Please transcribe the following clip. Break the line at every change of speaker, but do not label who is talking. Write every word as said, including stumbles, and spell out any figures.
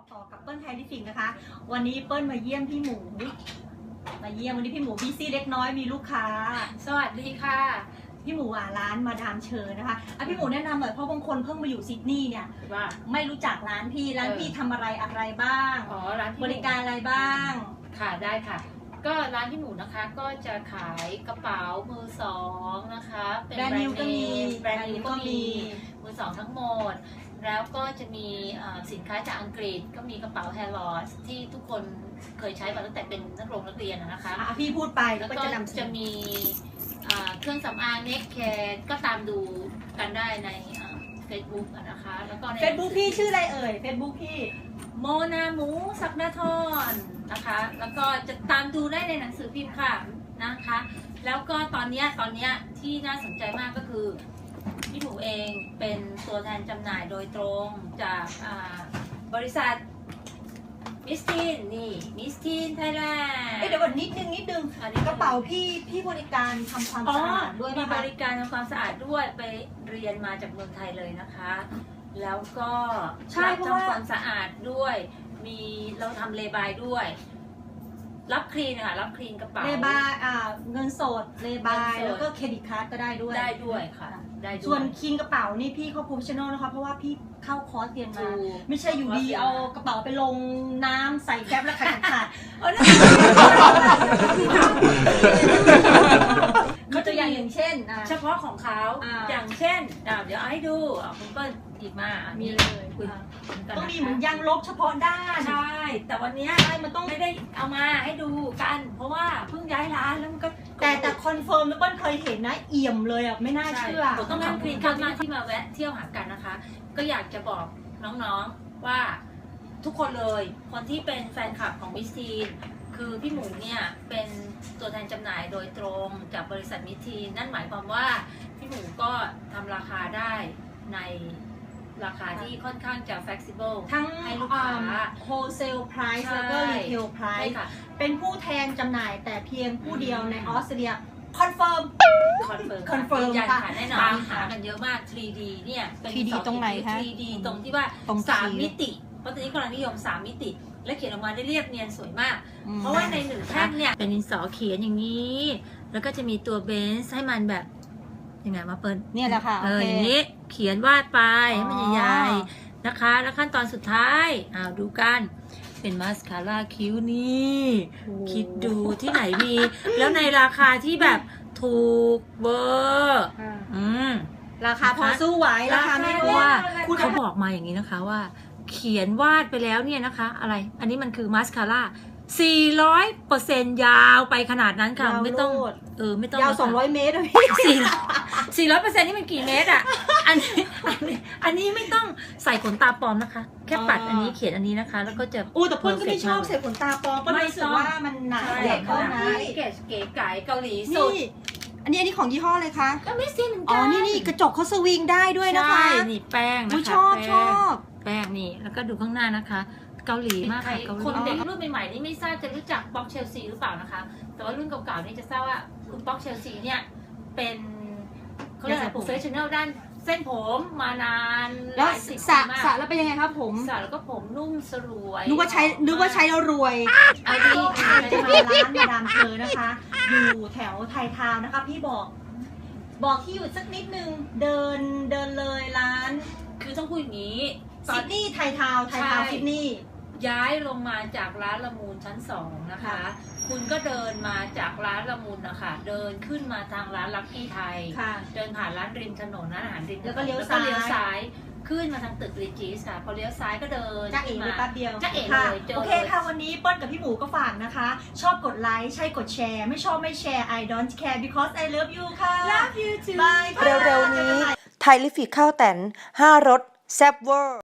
ต่อกับเปิ้ลไทยลิฟิกนะคะวันนี้เปิ้ลมาเยี่ยมพี่หมูมาเยี่ยมวันนี้พี่หมูบีซี่เล็กน้อยมีลูกค้า
สวัสดีค่ะ
พี่หมูอ่ะร้านมาดามเชอนะคะอ่ะพี่หมูแนะนำหน่อยเพราะบางคนเพิ่งมาอยู่ซิดนีย์เนี่ย
ว่า
ไม่รู้จักร้านพี่ร้านพี่ทำอะไรอะไรบ้าง
อ๋อร้าน
บริการอะไรบ้าง
ค่ะได้ค่ะก็ร้านพี่หมูนะคะก็จะขายกระเป๋ามือสองนะคะ
เป็นแบรนด์นิวก็มี
แบรนด์นิวก็มีมือสองทั้งหมดแล้วก็จะมีสินค้าจากอังกฤษก็มีกระเป๋าแฮร์ลอสที่ทุกคนเคยใช้มาตั้งแต่เป็นนักเรียนนักเรียนนะคะ
พี่พูดไป
แล้วก็จะมีเครื่องสำอางเน็กแคร์ก็ตามดูกันได้ในเฟซบุ๊กนะคะแล้วก็
เฟซบุ๊กพี่ชื่ออะไรเอ่ยเฟซบุ๊กพี่
โมนาหมูสักนาทรนะคะแล้วก็จะตามดูได้ในหนังสือพิมพ์ค่ะนะคะแล้วก็ตอนนี้ตอนนี้ที่น่าสนใจมากก็คือพี่หมูเองเป็นตัวแทนจำหน่ายโดยตรงจากบริษัทมิสทีนนี่มิสทีนไทยแลนด์
เดี๋ยวก่อนนิดนึงนิดนึงกระเป๋าพี่พี่บริการทำความสะอาดด้วย
มีบริการทำความสะอาดด้วยไปเรียนมาจากเมืองไทยเลยนะคะแล้วก็
ใช่เพราะว่า
ทำความสะอาดด้วยมีเราทำเลบายด้วยรับคลีนค่ะรับคลีนกระเป๋า
เลบายอ่าเงินสดเลบายแล้วก็เครดิตการ์ดก็ได้ด้วย
ได้ด้วยค่ะได้ด้วย
ส่วนคลีนกระเป๋านี่พี่เขาโปรเฟชชั่นอลนะคะเพราะว่าพี่เข้าคอร์สเรียนมาไม่ใช่อยู่ดีเอากระเป๋าไปลงน้ำใส่แก๊ปแล้วขาดขาดเขาตัวอย่างอย่างเช่น
เฉพาะของเขาอย่างเช่นเดี๋ยวเอาให้ดูคุณเปิ้ลหยิบมา
มีเลยต้องมีเหมือนยางลบเฉพาะด้าน
ใช่แต่วันนี้มันต้องไม่ได้เอามาให้ดูกันเพราะว่าเพิ่งย้ายร้านแล้วมันก็
แต่แต่คอนเฟิร์มแล้วเปิ้ลเคยเห็นนะเอี่ยมเลยอ่ะไม่น่าเชื่อ
ต้องขอบคุณมากที่มาแวะเที่ยวหากันนะคะก็อยากจะบอกน้องๆว่าทุกคนเลยคนที่เป็นแฟนคลับของมิสทีนคือพี่หมูเนี่ยเป็นตัวแทนจำหน่ายโดยตรงจากบริษัทมิสทีนนั่นหมายความว่าพี่หมูก็ทำราคาได้ในราคาที่ค่อนข้างจะ flexible
ทั้ง
ให้ลูกค้า
wholesale price แล้วก็ retail price เป็นผู้แทนจำหน่ายแต่เพียงผู้เดียวในออสเตรเลียคอนเฟิร์ม
คอนเฟิร์มคอนเฟิร์มค่ะแน่นอนตามหากันเยอะมาก ทรี ดี เนี่ยเป็น
ทรี ดี ตรงไหนคะ
ทรี ดี ตรงที่ว่าสามมิติเพราะตอนนี้กำลังนิยมสามมิติและเขียนออกมาได้เรียบเนียนสวยมากเพราะว่าในหนึ่งแท่งเนี่ยเป็นดินสอเขียนอย่างนี้แล้วก็จะมีตัวเบนซ์ให้มันแบบยังไงมาเปิด
เนี่ยแหละค่ะ
เอออย่างนี้เขียนวาดไปให้มันใหญ่ๆนะคะแล้วขั้นตอนสุดท้ายอ้าวดูกันเป็นมาสคาร่าคิ้วนี่คิดดูที่ไหนมีแล้วในราคาที่แบบถูกเวอร์อืม
ราคาพอสู้ไหวราคาไม่รู้
ว่าเขาบอกมาอย่างนี้นะคะว่าเขียนวาดไปแล้วเนี่ยนะคะอะไรอันนี้มันคือมาสคาร่าสี่ร้อยเปอร์เซ็นต์ยาวไปขนาดนั้นค่ะไม่ต้องเออไม่ต้อง
ยาวสองร้อยเมตรพี่
สี่สี่ร้อยเปอร์เซ็นต์นี่มันกี่เมตรอ่ะอันนี้อันนี้ไม่ต้องใส่ขนตาปลอมนะคะแค่ปัดอันนี้เขียนอันนี้นะคะแล้วก็จะ
อู้แต่เพื่อนก็ไม่ชอบใส่ขนตาปลอมก็รู้สึกว่ามันหนาเด็กเขานะ
เก๋เก๋ไก่เกาหลีสุด
อันนี้อันนี้ของยี่ห้อเลยคะ
ก็ไม่ซีเหมือนกัน
อ๋อนี่นี่กระจกเขาสวิงได้ด้วยนะคะ
ใช่นี่แป้งนะคะ
ชอบชอบ
แป้งนี่แล้วก็ดูข้างหน้านะคะเกาหลีมากค่ะคนเด็กรุ่นใหม่ๆนี่ไม่ทราบจะรู้จักบ็อกเชลซีหรือเปล่านะคะแต่ว่ารุ่นเก่าๆนี่จะทราบว่าคุณบ็อกเชลซีเนี่ยเป็นเขาเรียกอะไรโปรเฟชชั่นแนลด้านเส้นผมมานานหลายสิบปีมาก
สระแล้วเป็นยังไงครับผม
สระแล้วก็ผมนุ่มสลวย
นึกว่าใช้นึกว่าใช้แล้วรวย
อันนี้
จะมาร้านมาดามเชอนะคะอยู่แถวไทยทาวน์นะคะพี่บอกบอกที่อยู่สักนิดนึงเดินเดินเลยร้าน
คือต้องพูดอย่างนี้
ซิดนีย์ไทยทาวน์ไทยทาวน์ซิดนีย์
ย้ายลงมาจากร้านละมูลชั้นสองนะคะคุณก็เดินมาจากร้านละมูลนะคะเดินขึ้นมาทางร้านลักกี้ไทยเดินผ่านร้านริมถนนร้านอาหารริม
แล้วก็เลี้ยว
ซ้ายขึ้นมาทางตึกรีจิสค่ะพอเลี้ยวซ้ายก็เดิน
จ้าเอ๋ไปแป๊บเดียว
จ้าเอ๋เลย
โอเคค่ะวันนี้เปิ้ลกับพี่หมูก็ฝากนะคะชอบกดไลค์ใช่กดแชร์ไม่ชอบไม่แชร์ I don't care because I love you ค่ะ
love you too
เร็วๆนี้ไทยลิฟิกข้าวแตนห้ารสแซ่บเวอร์